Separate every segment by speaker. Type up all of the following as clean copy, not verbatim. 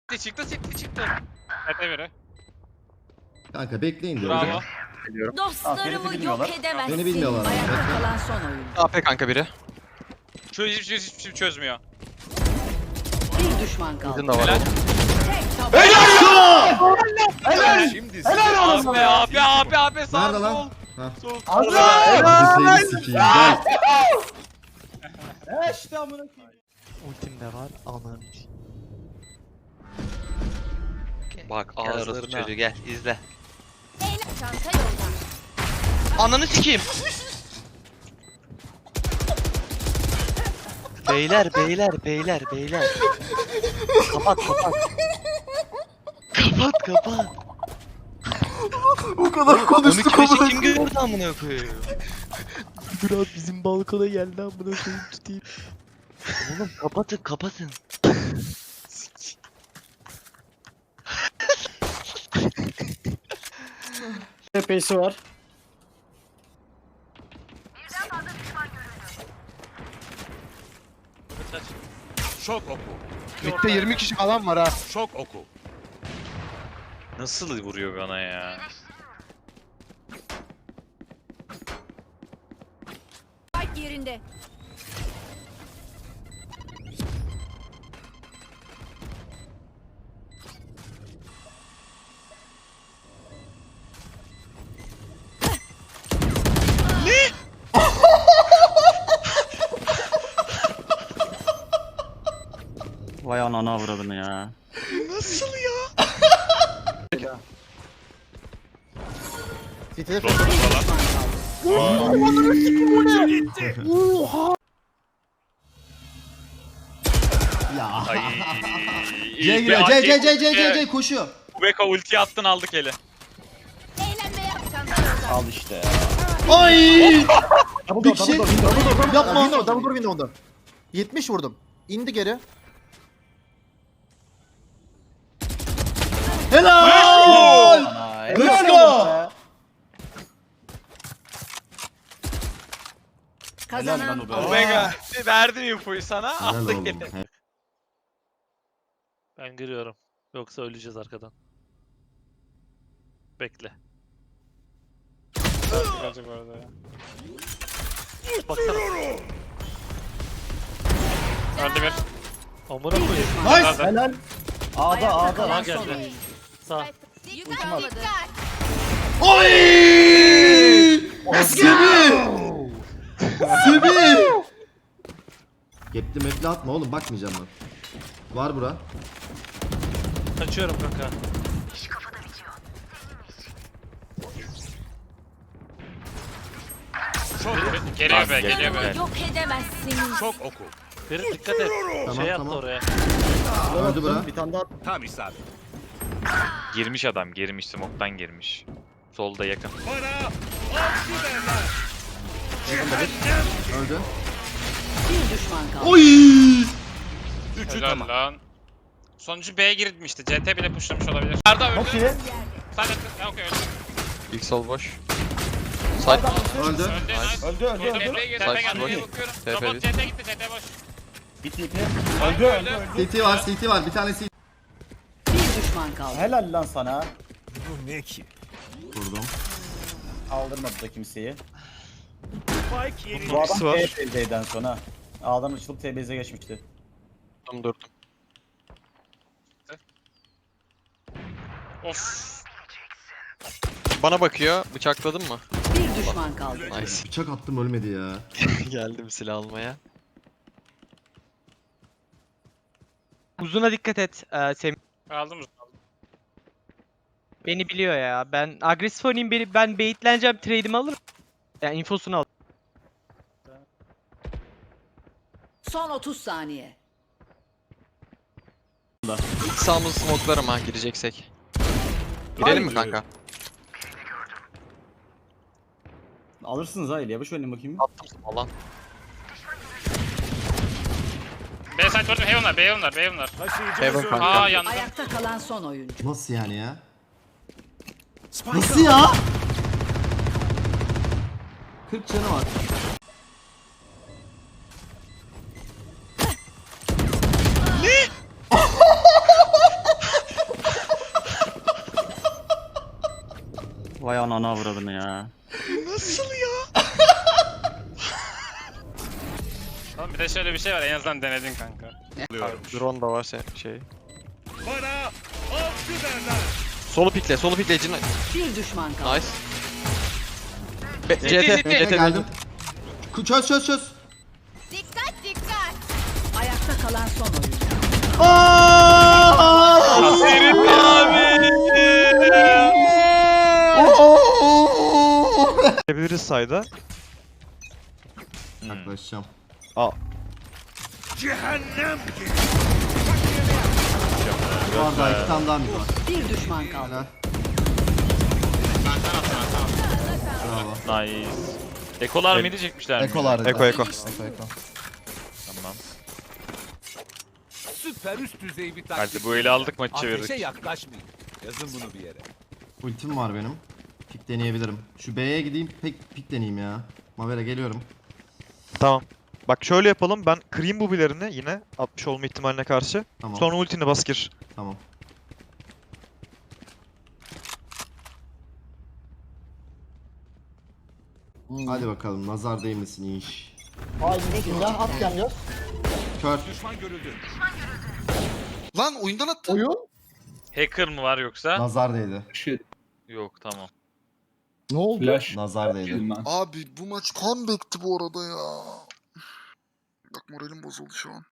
Speaker 1: Çıktı. Epe biri.
Speaker 2: Kanka bekleyin diyor.
Speaker 1: Bravo.
Speaker 3: Dostlarımı yok edemezsin.
Speaker 2: Beni bilmiyorlar.
Speaker 3: Ayakta kalan son oyun.
Speaker 4: AP kanka biri.
Speaker 1: Şu hiçbir şey çözmüyor.
Speaker 3: Bir düşman kaldı.
Speaker 4: Bizim de var.
Speaker 1: Abi sağ
Speaker 2: Nerede lan?
Speaker 1: sol.
Speaker 2: Ha.
Speaker 1: Sol.
Speaker 2: Hadi seni sikeyim gel.
Speaker 5: İşte amına koyayım.
Speaker 4: Ultim de var. Ananı.
Speaker 6: Bak ağırız çocuğu gel izle.
Speaker 3: Çanta yolda.
Speaker 6: Ananı sikeyim. Beyler. Kapat. Kapat.
Speaker 2: O kadar
Speaker 6: Onu
Speaker 2: konuştuk
Speaker 6: kime kim gördü amına koyayım.
Speaker 4: Biraz bizim balkona geldi amına koyayım tutayım.
Speaker 6: Oğlum kapatın.
Speaker 5: TP'si var.
Speaker 7: Şok oku.
Speaker 4: Mid'de 20 kişi falan var ha.
Speaker 7: Şok oku.
Speaker 1: Nasıl vuruyor bana ya?
Speaker 3: Spike yerinde.
Speaker 5: Vay anana avradını ya.
Speaker 2: Ya.
Speaker 1: Ay.
Speaker 2: C giriyor. C koşuyor.
Speaker 1: Beka ulti attın aldık eli.
Speaker 3: Eğlenme yap. Çanta yolda.
Speaker 5: Al işte.
Speaker 2: Ay!
Speaker 5: Double
Speaker 2: Bir kişi-
Speaker 5: door.
Speaker 2: Yapma.
Speaker 5: Double door window'da. 70 vurdum. İndi geri.
Speaker 2: Helal! Let's go!
Speaker 3: Kazanan
Speaker 5: Helal lan o be.
Speaker 3: oyun.
Speaker 1: Omega verdim infoyu sana.
Speaker 2: Helal
Speaker 1: Aldık
Speaker 2: oğlum.
Speaker 1: eli.
Speaker 8: Ben giriyorum. Yoksa öleceğiz arkadan. Bekle.
Speaker 1: Gelecek bu arada ya.
Speaker 8: Baksana.
Speaker 1: Öldü bir.
Speaker 8: Amına koyayım.
Speaker 2: Nice!
Speaker 5: Helal. Ağda
Speaker 3: Ayakta
Speaker 5: ağda.
Speaker 3: kalan
Speaker 8: geldi.
Speaker 3: son oyun.
Speaker 8: Sağ.
Speaker 3: Dikkat.
Speaker 2: Oy! Sibi! Sibi! Gepli mepli atma oğlum bakmayacağım ben. Var bura.
Speaker 8: Kaçıyorum kanka.
Speaker 1: Geliyor be.
Speaker 3: Yok edemezsin.
Speaker 7: Şok oku.
Speaker 8: Ferit dikkat et.
Speaker 2: Tamam,
Speaker 8: Şey attı
Speaker 2: tamam.
Speaker 8: oraya.
Speaker 2: Öldü bura.
Speaker 5: Bir tane daha.
Speaker 7: Tam isabet.
Speaker 1: Girmiş adam smoke'tan girmiş. Solda yakın.
Speaker 7: Bana avcı derler.
Speaker 2: Öldü.
Speaker 3: Bir düşman kaldı.
Speaker 2: Oy!
Speaker 7: Üçü
Speaker 1: Helal
Speaker 7: tamam.
Speaker 1: lan. Sonuncu B'ye girmişti. CT bile pushlamış olabilir. Arda öldü.
Speaker 5: Çok iyi.
Speaker 1: Sen de okey öldü.
Speaker 4: İlk sol boş. Side.
Speaker 2: Öldü.
Speaker 1: Öldü. CT'ye gir.
Speaker 4: Side
Speaker 1: CT
Speaker 4: boş.
Speaker 1: geldi. Bakıyorum.
Speaker 4: TP
Speaker 1: Robot
Speaker 4: bir.
Speaker 1: CT gitti. CT boş.
Speaker 5: Bitti ipi. Öldü.
Speaker 2: CT var bir tane CT.
Speaker 3: Bir düşman kaldı.
Speaker 5: Helal lan sana.
Speaker 7: Bu ne ki?
Speaker 2: Vurdum.
Speaker 5: Kaldırmadı da kimseyi.
Speaker 7: Spike yeri.
Speaker 5: Bu adam
Speaker 4: İkisi var.
Speaker 5: TBZ'den sonra. Ağdan açılıp TBZ'e geçmişti.
Speaker 4: Tam durdum.
Speaker 1: Of.
Speaker 4: Bana bakıyor. Bıçakladın mı?
Speaker 3: Bir düşman kaldı.
Speaker 4: Nice.
Speaker 2: Bıçak attım ölmedi ya.
Speaker 4: Geldim silah almaya.
Speaker 9: Uzuna dikkat et Semih.
Speaker 1: Aldım.
Speaker 9: Beni biliyor ya. Ben agresif oynayayım, ben baitleneceğim, trade'imi alırım. Yani infosunu al.
Speaker 3: Son 30 saniye.
Speaker 4: İlk sağımızı smoke'larım ha gireceksek. Girelim mi kanka?
Speaker 5: Alırsınız ha İlyaba. Şöyle bakayım.
Speaker 4: Attım smoke lan.
Speaker 1: B side gördüm. Heaven var.
Speaker 7: Taşıyıcımız
Speaker 4: Heaven
Speaker 7: öldü.
Speaker 4: kanka.
Speaker 1: Aa yandı.
Speaker 3: Ayakta kalan son oyuncu.
Speaker 2: Nasıl yani ya? Nasıl ya? 40 canı var. Ananı avradını ya.
Speaker 1: Oğlum bir de şöyle bir şey var, en azından denedin kanka.
Speaker 4: Drone da var şey.
Speaker 7: Bana avcı derler.
Speaker 4: Solu pikle Cino.
Speaker 3: Bir düşman kaldı.
Speaker 4: Nice. CT.
Speaker 5: Geldim. Çöz.
Speaker 3: Ayakta kalan son oyuncu.
Speaker 4: Yapabiliriz sayda.
Speaker 5: Yaklaşacağım.
Speaker 7: Cehennem gibi.
Speaker 5: Bu arada 2 tane daha mı var?
Speaker 3: Bir düşman kaldı.
Speaker 5: Helal. Bravo.
Speaker 8: Nice. Ekolar mıydı çekmişler mi?
Speaker 5: Ekolar dedi.
Speaker 4: Eko.
Speaker 8: Tamam.
Speaker 7: Süper üst düzey bir taktik.
Speaker 8: Hadi bu eli aldık maçı
Speaker 7: Ateşe
Speaker 8: çevirdik.
Speaker 7: yaklaşmayın. Yazın bunu bir yere.
Speaker 5: Ultim var benim. Pik deneyebilirim. Şu B'ye gideyim pik deneyeyim ya. Mavera geliyorum.
Speaker 10: Tamam. Bak şöyle yapalım. Ben kırayım bu bilerini yine 60 olma ihtimaline karşı.
Speaker 5: Tamam.
Speaker 10: Sonra ultini bas gir.
Speaker 5: Tamam. Hadi bakalım nazar değmesin iş. Kör.
Speaker 7: Düşman görüldü.
Speaker 11: Lan oyundan attı.
Speaker 8: Hacker mı var yoksa?
Speaker 5: Nazar değdi.
Speaker 8: Yok tamam.
Speaker 5: Nazar değdi.
Speaker 11: Abi bu maç comeback'ti bu arada ya. Bak moralim bozuldu şu an.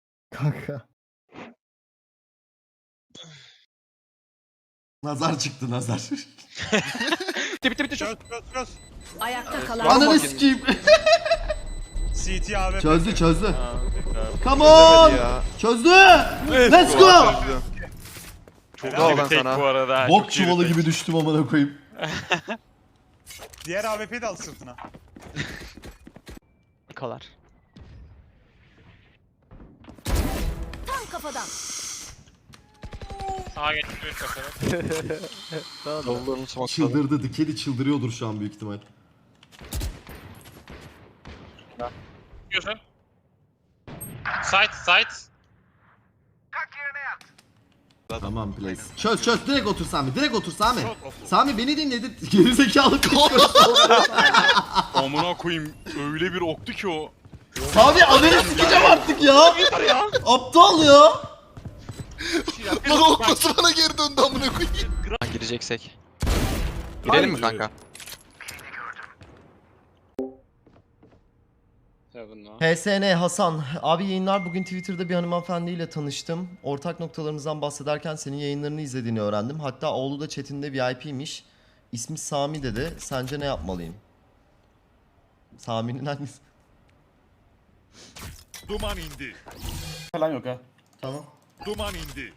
Speaker 5: Nazar çıktı nazar.
Speaker 7: Çöz.
Speaker 3: Ayakta kalan
Speaker 5: Ananı sikeyim.
Speaker 7: CT AWP.
Speaker 5: Çözdü. Come on. Çözdü. Let's go.
Speaker 10: Çok
Speaker 8: Helal
Speaker 10: lan
Speaker 8: bir tek
Speaker 10: sana.
Speaker 8: bu arada.
Speaker 5: Bok
Speaker 8: Çok iyi
Speaker 5: çuvalı
Speaker 8: bir tek.
Speaker 5: gibi düştüm amına koyayım.
Speaker 7: Diğer AWP'yi de al sırtına.
Speaker 9: Kalar.
Speaker 3: tam kafadan.
Speaker 1: Sağa geçiyor kafadan.
Speaker 4: Davullarını smokladım.
Speaker 5: Çıldırdı. Dikeli çıldırıyordur şu an büyük ihtimal.
Speaker 1: Diyorsun. Side.
Speaker 5: Tamam place. Çöz direkt otur Sami. Sami beni dinledi. Gerizekalı kaçıyor.
Speaker 11: Amına koyayım öyle bir oktu ki o.
Speaker 5: Sami ananı sikeceğim artık ya. Aptal ya.
Speaker 11: Lan okması bana geri döndü amına koyayım.
Speaker 4: Gireceksek. Girelim mi kanka?
Speaker 2: HSN Hasan. Abi yayınlar, bugün Twitter'da bir hanımefendiyle tanıştım. Ortak noktalarımızdan bahsederken senin yayınlarını izlediğini öğrendim. Hatta oğlu da chatinde VIP'miş. İsmi Sami dedi. Sence ne yapmalıyım? Sami'nin hangisi?
Speaker 7: Duman indi.
Speaker 2: Falan yok ha. Tamam.
Speaker 7: Duman indi.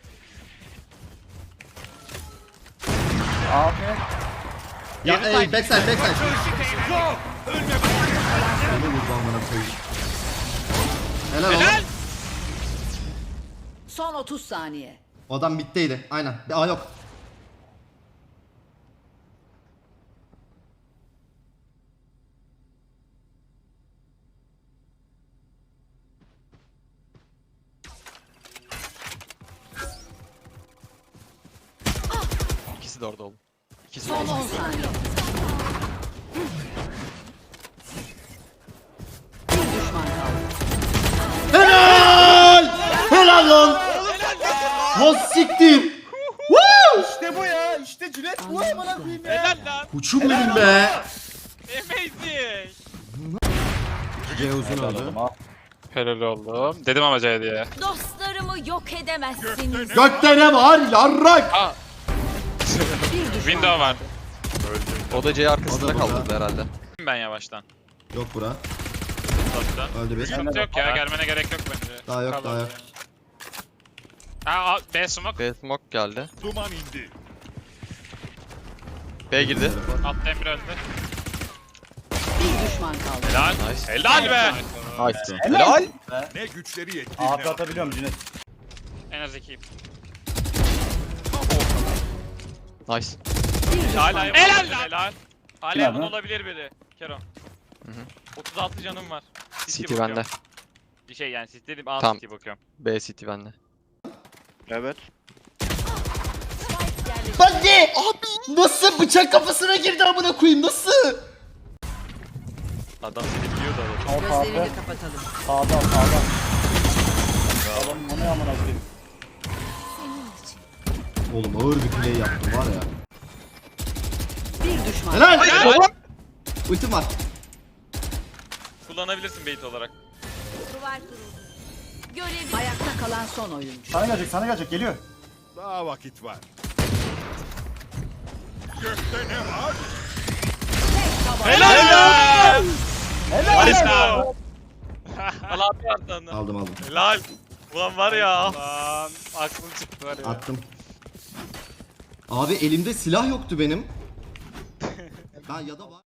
Speaker 5: Ya backside.
Speaker 7: Çöz yok. Ölme bak.
Speaker 5: Ne vurdu amına koyayım. Helal oğlum.
Speaker 3: Son 30 saniye.
Speaker 5: O adam middeydi. Aynen. Aa yok.
Speaker 4: İkisi de orada oğlum. İkisi de
Speaker 3: Son
Speaker 4: orada.
Speaker 3: 10 saniye. Bir düşman kaldı.
Speaker 5: Helal lan. Has siktir.
Speaker 7: İşte bu ya. İşte Cület bu amına koyayım ya.
Speaker 1: Helal lan.
Speaker 5: Uçum benim be.
Speaker 1: Amazing.
Speaker 5: C uzun oldu.
Speaker 1: Helal oğlum. Dedim ama C diye.
Speaker 3: Dostlarımı yok edemezsiniz.
Speaker 5: Gökte ne var? Yarrak.
Speaker 3: Bir düşman
Speaker 1: Window var.
Speaker 4: O da C arkasında
Speaker 5: O da burada.
Speaker 4: kaldırdı herhalde.
Speaker 1: Ben yavaştan.
Speaker 5: Yok bura.
Speaker 1: Uzaktan.
Speaker 5: Öldü bir.
Speaker 1: Sıkıntı yok ya, gelmene gerek yok bence.
Speaker 5: Daha yok.
Speaker 1: Aa, B smoke.
Speaker 4: B smoke geldi.
Speaker 7: Duman indi.
Speaker 4: B girdi.
Speaker 1: Altta Emre öldü.
Speaker 3: Bir düşman kaldı.
Speaker 1: Helal.
Speaker 4: Nice.
Speaker 1: Helal be.
Speaker 4: Nice. Helal.
Speaker 7: Ne güçleri yetti.
Speaker 1: En az 2.
Speaker 4: Nice.
Speaker 3: Bir düşman
Speaker 1: Hala
Speaker 3: kaldı.
Speaker 1: helal lan. Helal. Hala yakın olabilir biri. Kero. 36 canım var.
Speaker 4: City bende.
Speaker 1: Bir şey yani City dedim A
Speaker 4: Tamam.
Speaker 1: City bakıyorum.
Speaker 4: B City bende.
Speaker 10: Evet.
Speaker 2: Ben ne? Nasıl bıçak kafasına girdi amına koyayım nasıl?
Speaker 8: Adam seni biliyordu adam.
Speaker 3: Gözlerini kapatalım.
Speaker 7: Sağdan sağdan. Adam o ne amına koyayım.
Speaker 5: Oğlum ağır bir play yaptım var ya.
Speaker 3: Bir düşman.
Speaker 5: Helal! Ultim var.
Speaker 1: Kullanabilirsin bait olarak.
Speaker 3: Duvar kuruldu. Görev ayakta kalan son oyuncu.
Speaker 7: Sana gelecek geliyor.
Speaker 11: Daha vakit var.
Speaker 1: Helal!
Speaker 7: Helal.
Speaker 1: Allah bir
Speaker 5: Aldım.
Speaker 1: Helal. Ulan var ya. Lan aklım çıktı var ya.
Speaker 5: Attım. Abi elimde silah yoktu benim. Ben ya da var.